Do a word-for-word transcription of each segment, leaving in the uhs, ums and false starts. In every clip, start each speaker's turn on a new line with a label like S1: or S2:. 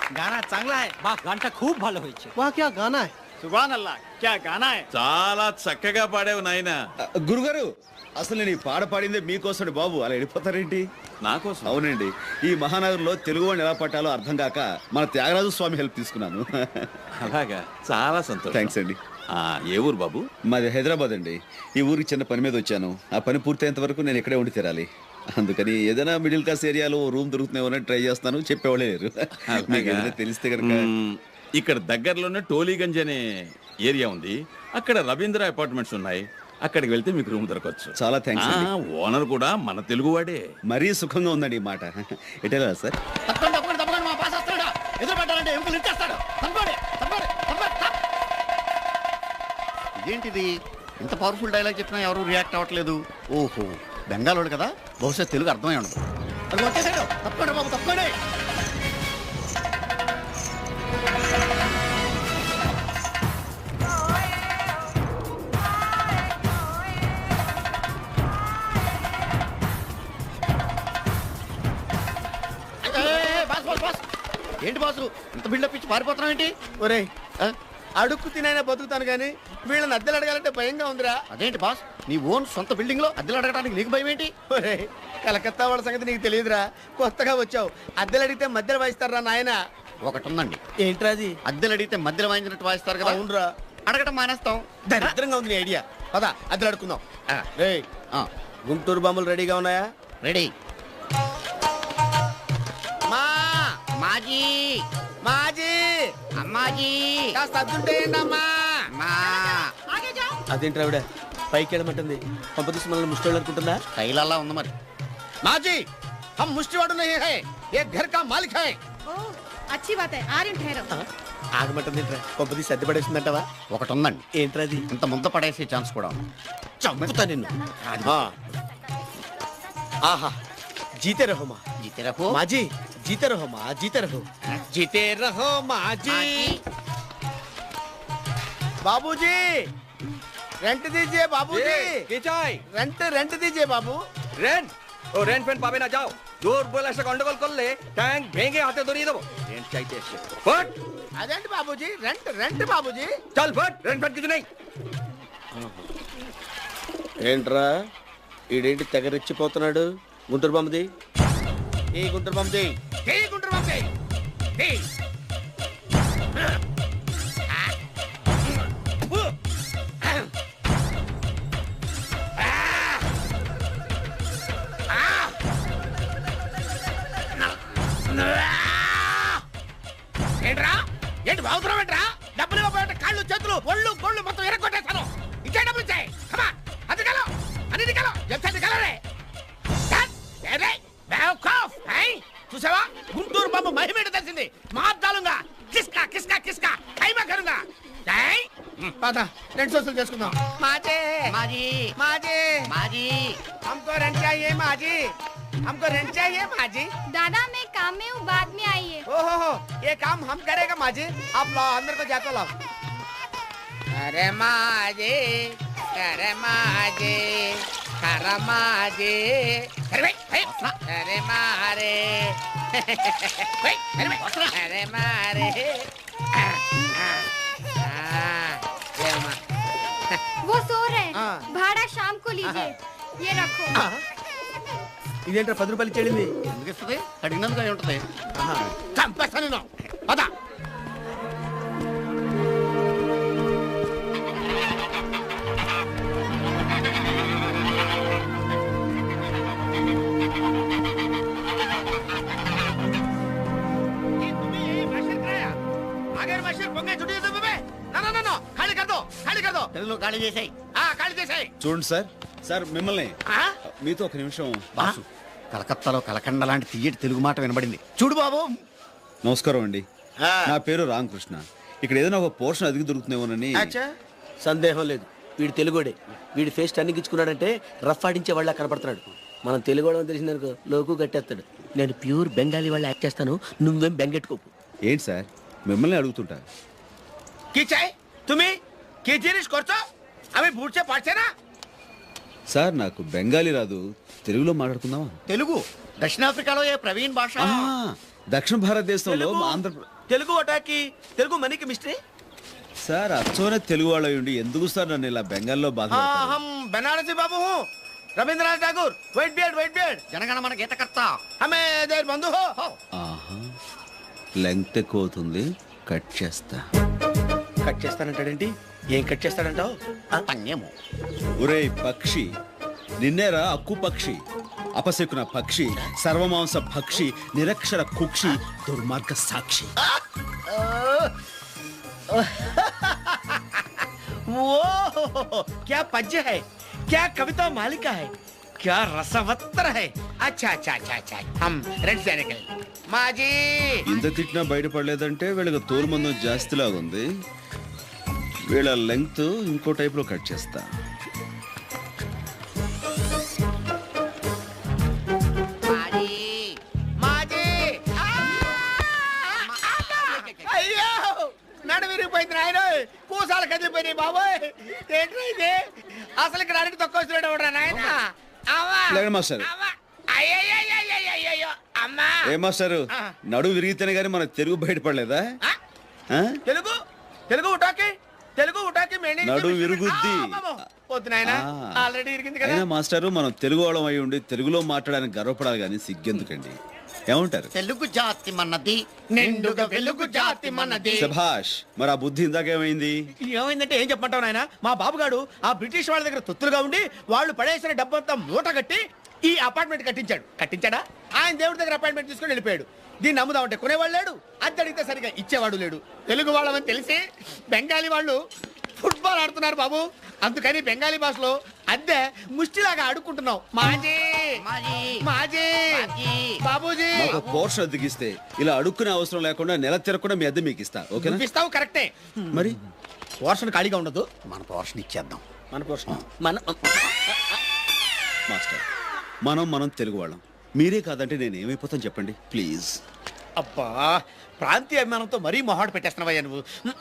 S1: गाना चांगला है
S2: బా గంట खूप ভালো হয়েছে
S3: वाह क्या गाना है
S1: सुभान अल्लाह क्या गाना है
S4: చాలా చక్కగా పాడావు నాయనా.
S5: గురుగారు అసలు నేను ఈ పాట పాడిందే మీకోసం బాబు, అలా వెళ్ళిపోతారేంటి?
S4: నా కోసం?
S5: అవునండి, ఈ మహానగరంలో తెలుగు వాడిని ఎలా పట్టాలో అర్థం కాక మన త్యాగరాజు స్వామి హెల్ప్ తీసుకున్నాను.
S4: అలాగా, చాలా సంతోషం.
S5: థ్యాంక్స్ అండి.
S4: ఆ, ఏ ఊరు బాబు?
S5: మాది హైదరాబాద్ అండి. ఈ ఊరికి చిన్న పని మీద వచ్చాను. ఆ పని పూర్తయ్యేంత వరకు నేను ఇక్కడే ఉండి తీరాలి. అందుకని ఏదైనా మిడిల్ క్లాస్ ఏరియాలో రూమ్ దొరుకుతున్నాయో ట్రై చేస్తాను. చెప్పేవాళ్ళే లేరు. మీకు ఏదైనా తెలిస్తే కనుక.
S4: ఇక్కడ దగ్గరలోనే టోలీగంజ్ అనే ఏరియా ఉంది. అక్కడ రవీంద్ర అపార్ట్మెంట్స్ ఉన్నాయి. అక్కడికి వెళ్తే మీకు రూమ్ దొరకవచ్చు.
S5: చాలా థ్యాంక్స్.
S4: ఓనర్ కూడా మన తెలుగు వాడే.
S5: మరీ సుఖంగా ఉందండి ఈ మాట. ఎటెలా సార్?
S1: తప్పకుండా తప్పకుండా తప్పకుండా మా బాస్ వస్తాడు. ఎదురు పడ్డారంటే ఎముకలు ఇచ్చేస్తాడు. తప్పండి తప్పండి తప్పండి. ఇదేంటిది ఇంత పవర్ఫుల్ డైలాగ్ చెప్పినా ఎవరు రియాక్ట్ అవ్వట్లేదు? ఓహో, బెంగాలోడు కదా, బహుశా తెలుగు అర్థమై ఉండదు. అది వచ్చేసాడు. తప్పకుండా బాబు తప్పండి. ఏంటి బాసు ఇంత బిల్డప్ ఇచ్చి పారిపోతున్నావు ఏంటి?
S3: ఒరే అడుక్కు తినైనా బతుకుతాను కానీ వీళ్ళని అద్దెలు అడగాలంటే భయంగా ఉందిరా.
S1: అదేంటి బాస్, నీ ఓన్ సొంత బిల్డింగ్ లో అద్దెలు అడగడానికి నీకు భయం ఏంటి?
S3: ఒరే కలకత్తా వాళ్ళ సంగతి నీకు తెలియదురా, కొత్తగా వచ్చావు. అద్దెలు అడిగితే మధ్యలో వాయిస్తారా నాయన?
S1: ఒకటి ఉందండి.
S3: ఏంట్రా అది?
S1: అద్దెలు అడిగితే మధ్యలో వాయించినట్టు వాయిస్తారు కదా.
S3: అవునరా,
S1: అడగటం మానేస్తాం.
S3: దరిద్రంగా ఉంది నీ ఐడియా. పద అద్దెలు అడుకుందాం.
S1: ఆ,
S3: రే
S1: ఆ,
S3: గుంటూరు బాంబులు రెడీగా ఉన్నాయా?
S1: రెడీ. మా మాజీ
S3: మాజీ
S1: అమ్మాజీ
S3: కాస్త అద్దుంటే అమ్మా.
S1: మా
S3: అదేంటి ఆవిడ పైకి వెళ్ళమంటుంది? పంపదీసి మనల్ని ముష్టోళ్ళు అనుకుంటుందా?
S1: కైలల్లా ఉంది మరి.
S3: माजी हम मुष्टिवाड़ नहीं है, ये घर का मालिक है.
S6: ओह, अच्छी बात है. आ रही हूँ, ठहरो.
S3: ఆగమంటుంది పంపది సర్ది పడేసిందంటవా?
S1: ఒకటి ఉందండి.
S3: ఏంట్రది?
S1: ఇంత ముంద పడేసే ఛాన్స్ కూడా ఉంది.
S3: చంపుతా నిన్ను. ఆహా, జీతే రహో మా.
S1: జీతే రహో
S3: మాజీ, జీతే రహో మా, జీతే రహో, జీతే రహో మాజీ. बाबूजी रेंट दीजिए बाबूजी. रेंट रेंट दीजिए बाबू.
S2: রেন্ট ও রেন্ট ফেন্ট পাবে না, যাও। জোর বলে এসে গন্ডগোল করলে ট্যাঙ্ক ভেঙে হাতে ধরিয়ে দেবো। রেন্ট চাইতে এসে ফট।
S3: అదేంటి బాబూజీ, రెంట్ రెంట్ బాబూజీ.
S2: চল ফট, রেন্ট ফেন্ট কিছু নেই।
S3: ఏంట్రా ఈడేంటి తెగ రెచ్చిపోతున్నాడు? గుంటూరు బొమ్మది, ఏ గుంటూరు బొమ్మది, ఏ గుంటూరు బొమ్మది. ఏంట్రా ఏంటి బాగుతున్నావు? ఏంట్రా డబ్బులు ఇవ్వకపోతే కాళ్ళు చేతులు ఒళ్ళు గొళ్ళు మొత్తం ఎరగొట్టేస్తాను. ఇంకే డబ్బులు ఇచ్చాయి. అది కలో అనేది కలో చెప్తాది కలరే. చూసావా, గుంటూరు బాబు మహిమేట తెలిసింది. మార్దాలుగా కిస్కా కిస్కా కిస్కా ఖైమా కరుగా. పద రెండు సోసులు చేసుకుందాం. మాజీ
S1: మాజీ
S3: మాజీ
S1: మాజీ
S3: हमको रेंट चाहिए माजी, हमको रेंट चाहिए माजी.
S6: दादा मैं काम में हूँ, बाद में आइए.
S3: ओहो हो, ये काम हम करेगा माजी. आप लाओ, अंदर को जाकर लाओ. अरे माजी, अरे माजी, अरे माजी, अरे भाई, अरे मारे, अरे मारे.
S6: वो सो रहे हैं.
S3: हाँ.
S6: भाड़ा शाम को लीजिए. ये रखो.
S3: ఇదేంట్రా పది రూపాయలు చెల్లింది?
S1: ఎందుకు ఇస్తుంది? అడిగినందుకు అయి ఉంటుంది.
S3: చంపేస్తాను. పద.
S1: తెలుగులో ఖాళీ చేసాయి.
S5: చూడండి సార్, సార్ మిమ్మల్ని మీతో ఒక నిమిషం.
S1: బాసు, కలకత్తాలో కలకండ లాంటి తీయటి తెలుగు మాట వినబడింది. చూడు బాబు.
S5: నమస్కారం అండి, నా పేరు రామకృష్ణ. ఇక్కడ ఏదైనా ఒక పోర్షన్ అదిగి దొరుకుతున్నామోనని.
S3: సందేహం లేదు, వీడు తెలుగుడే. వీడి ఫేస్ టర్నింగ్ ఇచ్చుకున్నాడంటే రఫ్ ఆడించే వాళ్ళ కనపడుతున్నాడు. మనం తెలుగు వాళ్ళని తెలిసిందనుకో లోకు కట్టేస్తాడు. నేను ప్యూర్ బెంగాలీ వాళ్ళు యాక్ట్ చేస్తాను, నువ్వేం బెంగెట్టుకోకు.
S5: ఏంటి సార్ మిమ్మల్ని అడుగుతుంటా. సార్ నాకు బెంగాలీ రాదు, తెలుగులో మాట్లాడుకుందామా?
S1: తెలుగు దక్షిణాఫ్రికాలో ఏ ప్రవీణ్ భాష.
S5: దక్షిణ భారతదేశంలో ఆంధ్ర
S2: తెలుగు వటాకి తెలుగు మనీకి మిస్టరీ
S5: సార్ అచ్చోనే తెలుగు వాళ్ళు ఉండి ఎందుకు సార్ నన్ను ఇలా బెంగాల్లో బాధ
S3: हम बनारसी बाबू हूँ Rabindranath Thakur white beard white beard
S1: Janagana Mana గీతకర్త
S3: हमें देर बंधु हो
S5: ఆహా లెంగ్త్ ఎక్కువ అవుతుంది కట్ చేస్తా
S3: కట్ చేస్తానంటాడేంటి ఏం కట్ చేస్తాడంటావు
S1: పన్యము
S5: ఒరేయ్ పక్షి నిన్నేరా అక్కు పక్షి అపశకున పక్షి సర్వమాంస భక్షి నిరక్షర కుక్షి దుర్మార్గ సాక్షి
S3: वो क्या पद्य है क्या कविता मालिका है क्या रसवत्तर है अच्छा अच्छा अच्छा अच्छा हम रेड से निकल माजी
S5: ఇంత తిట్టినా బయటపడలేదంటే వీళ్ళకి తోలు మందం జాస్తిలాగా ఉంది వీళ్ళ లెంగ్త్ ఇంకో టైప్ లో కట్ చేస్తా
S3: माजी माजी అయ్యో నడు విరిగిపోయింది నాయన కూసాలు కదిలిపోయినాయి బాబోయ్ ఏంట్రా ఇది అసలు ఇక్కడ అడిగి తక్కువ వస్తున్నాడు ఎవడ్రా నాయన అవ్వా
S5: లేండి మాస్టర్.
S3: అవ్వా అయ్యయ్యయ్యయ్యయ్యయ్యో అమ్మా
S5: ఏ మాస్టారు నడు విరిగితేనే గానీ మన తెలుగు బయటపడలేదా
S3: ఆ?
S5: ఆ?
S3: తెలుగు తెలుగు ఉటాకి తెలుగు ఉటాకి మేనే
S5: నడు విరుగుద్ది.
S3: వద్దు నాయనా
S5: ఆ.
S3: ఆల్రెడీ ఇరిగింది కదా
S5: అయినా మాస్టారు మనం తెలుగు వాళ్ళం అయి ఉండి తెలుగులో మాట్లాడడానికి గర్వపడాలి కానీ సిగ్గెందుకండి ఏమంటారు
S1: తెలుగు జాతి మనది
S3: నిండుగా వెలుగు జాతి మనది
S5: శభాష్ మరి ఆ బుద్ధి ఇందాకేమైంది
S3: ఏమైందంటే ఏం చెప్పంటావు నాయన మా బాబుగాడు ఆ బ్రిటిష్ వాళ్ళ దగ్గర తొత్తులుగా ఉండి వాళ్ళు పడేసిన డబ్బంతా మూట కట్టి ఈ అపార్ట్మెంట్ కట్టించాడు కట్టించాడా ఆయన దేవుడి దగ్గర అపార్ట్మెంట్ తీసుకుని వెళ్ళిపోయాడు దీన్ని నమ్ముదామంటే కొనేవాళ్ళు లేడు అద్దె అడిగితే సరిగా ఇచ్చేవాడు లేడు తెలుగు వాళ్ళమని తెలిసి బెంగాలీ వాళ్ళు ఫుట్బాల్ ఆడుతున్నారు బాబు అందుకని బెంగాలీ భాషలో అద్దె ముష్టిలాగా ఆడుకుంటున్నాం మాజీ
S1: మాజీ.
S3: మాజీ
S1: మాజీ.
S3: బాబూజీ
S5: మాకు పోర్షన్ అద్దెకిస్తే ఇలా అడుక్కునే అవసరం లేకుండా నెల తిరగకుండా మీ అద్దె మీకు ఇస్తా ఓకేనా
S3: చూపిస్తావు కరెక్టే
S5: మరి
S3: పోర్షన్ ఖాళీగా ఉండదు
S1: మన పోర్షన్ ఇచ్చేద్దాం
S3: మన పోర్షన్ మన
S5: మాస్టర్ మనం మనం తెలుగు వాళ్ళం మీరే కాదంటే నేను ఏమైపోతాను చెప్పండి ప్లీజ్
S3: అబ్బా ప్రాంతీయ అభిమానంతో మరీ మొహాడు పెట్టేస్తున్నావయ్యా నువ్వు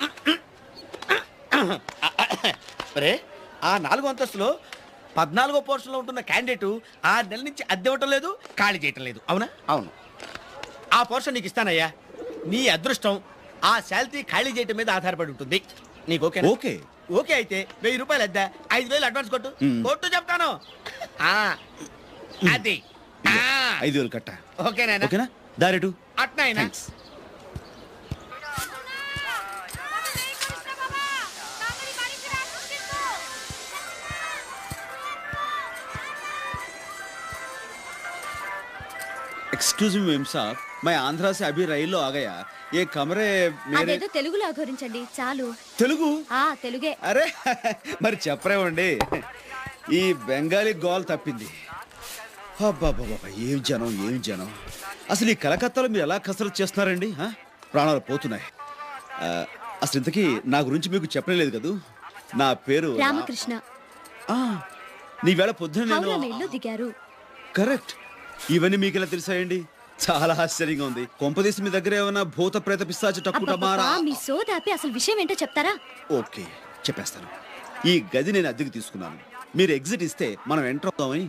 S3: రే ఆ నాలుగో అంతస్తులో పద్నాలుగో పోర్షన్లో ఉంటున్న క్యాండిడేట్ ఆరు నెలల నుంచి అద్దె ఇవ్వటం లేదు ఖాళీ చేయటం లేదు అవునా
S1: అవును
S3: ఆ పోర్షన్ నీకు ఇస్తానయ్యా నీ అదృష్టం ఆ శాలరీ ఖాళీ చేయటం మీద ఆధారపడి ఉంటుంది నీకు ఓకే
S5: ఓకే
S3: ఓకే అయితే వెయ్యి రూపాయలు అద్దె ఐదు వేలు అడ్వాన్స్ కొట్టు
S5: మ్.
S3: కొట్టు చెప్తాను ఆ, అది ఆ,
S5: ఐదు వేలు కట్ట
S3: ఓకేనా
S5: ఓకేనా దారెటు
S3: అట్నైనా
S5: థ్యాంక్స్ एक्सक्यूज मी मेम साहब मैं आंध्रा से अभी రైల్లో आ गया ये कमरे मेरे
S6: అదేదో తెలుగులో అఘోరించండి చాలు
S5: తెలుగు
S6: ఆ తెలుగే
S5: అరే మరి చెప్పరేమండి ఈ బెంగాలీ గోల్ తప్పింది అబ్బాబాబా ఏం జనం ఏం జనం అసలు ఈ కలకత్తాలో మీరు ఎలా కసరత్తు చేస్తున్నారండి ఆ? ప్రాణాలు పోతున్నాయి ఆ, అసలు ఇంతకీ నా గురించి మీకు చెప్పలేదు కదూ నా పేరు రా-
S6: రామకృష్ణ
S5: ఆ, నీ వేళ పొద్దున
S6: హౌరా
S5: నేను
S6: మెయిల్లో దిగారు
S5: కరెక్ట్ ఇవన్నీ మీకు ఎలా తెలిసాయండి చాలా ఆశ్చర్యంగా ఉంది కొంపదీసి మీ దగ్గర ఏమైనా భూత ప్రేత పిశాచ టక్కుటమారా
S6: అబ్బబ్బబ్బా, మీ సోదాపి అసలు విషయం ఏంటో చెప్తారా
S5: ఓకే చెప్పేస్తాను ఈ గది నేను అద్దెకు తీసుకున్నాను మీరు ఎగ్జిట్ ఇస్తే మనం ఎంటర్ అవుతామని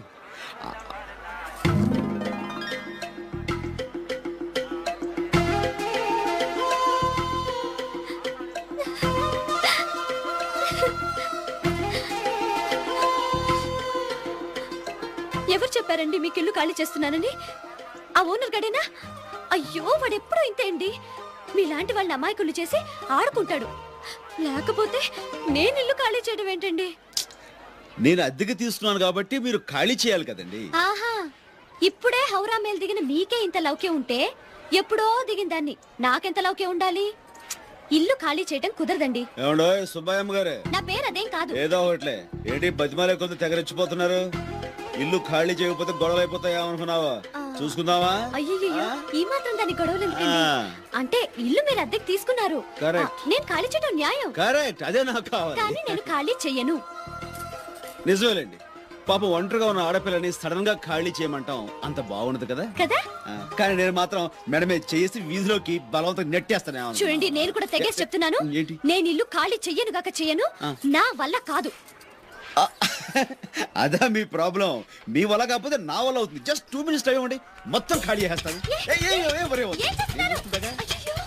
S6: ఎవరు చెప్పారండి మీకు ఇల్లు ఖాళీ చేస్తున్నానని ఆ ఓనర్ గడేనా అయ్యో వాడు ఎప్పుడూ ఇంతే అండి మీలాంటి వాళ్ళని అమాయకులు చేసి ఆడుకుంటాడు లేకపోతే నేను ఇల్లు ఖాళీ చేయడం ఏంటండి
S5: నేను అద్దెకు తీసుకున్నాను కాబట్టి మీరు ఖాళీ చేయాలి కదండి
S6: ఆహా ఇప్పుడే హౌరా మేల్ దిగిన మీకే ఇంత లౌక్యం ఉంటే ఎప్పుడో దిగిన దాన్ని నాకెంత లౌక్యం ఉండాలి ఇల్లు ఖాళీ చేయడం కుదరదండి
S5: ఏమండో సుబ్బయ్యమ్మ గారే
S6: నా పేరు అదేం కాదు
S5: ఏదో ఒకట్లే ఏంటి బతిమాలే కొంత తెగరెచ్చిపోతున్నారు ఇల్లు ఖాళీ చేయకపోతే గొడవలు అయిపోతాయా అనుకున్నావా చూసుకుందామా
S6: అయ్యయ్యో ఈ మాత్రం దాని గొడవలు ఎందుకండి
S5: ఆ.
S6: అంటే ఇల్లు మీరు అద్దెకి తీసుకున్నారు
S5: Correct.
S6: ఆ, నేను ఖాళీ చేయడం న్యాయం
S5: కరెక్ట్ అదే నాకు
S6: కానీ
S5: కావాలి
S6: నేను ఖాళీ చెయ్యను
S5: నిజమేలేండి పాపం ఒంటరిగా ఉన్న ఆడపిల్లని సడన్ గా ఖాళీ చేయమంటాం అంత బాగుండదు కదా
S6: కదా
S5: ఆ, కానీ నేను మాత్రం మెడమే చేసి వీధిలోకి బలవంతం నెట్టేస్తానే
S6: చూడండి నేను కూడా తెగేసి చెప్తున్నాను
S5: ఏంటి?
S6: నేను ఇల్లు ఖాళీ చెయ్యను గాక చెయ్యను
S5: ఆ.
S6: నా వల్ల కాదు
S5: అదా మీ ప్రాబ్లం. మీ వల్ల కాకపోతే నా వల్ల అవుతుంది. జస్ట్ టూ మినిట్స్ టైం ఇవ్వండి, మొత్తం ఖాళీ చేస్తాను. ఏయ్, ఏయ్, ఏయ్, ఏయ్, ఒరే, ఒరే.
S6: ఏం చేస్తున్నారు?
S5: ఏం చేస్తుందగా?
S6: అయ్యయ్యో.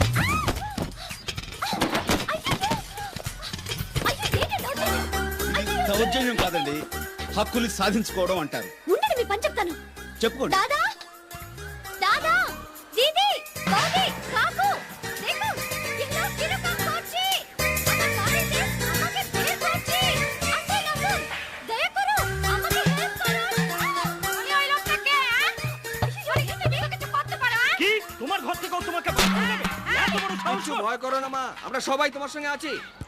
S6: అయ్యయ్యో. అయ్యో, ఏంటి దౌర్జన్యం?
S5: ఇది దౌర్జన్యం కాదండి, హక్కులు సాధించుకోవడం అంటారు.
S6: ఉండండి, మీ పని చెప్తాను.
S5: చెప్పుకోండి.
S6: దాదా దాదా దీది బాబీ కాకు देखो कितना किलो का कोची अगर सारे से আমাকে বের করছি আসো লাগো দয়া করো আমাকে হেল্প করো তুমি ওই লোকটাকে হ্যাঁ সরি তুমি কিছু করতে পারো হ্যাঁ
S2: কি তোমার ঘর থেকে তোমাকে বের করে দেবে? এত বড় সাহস! ভয় করো না মা, আমরা সবাই তোমার সঙ্গে আছি।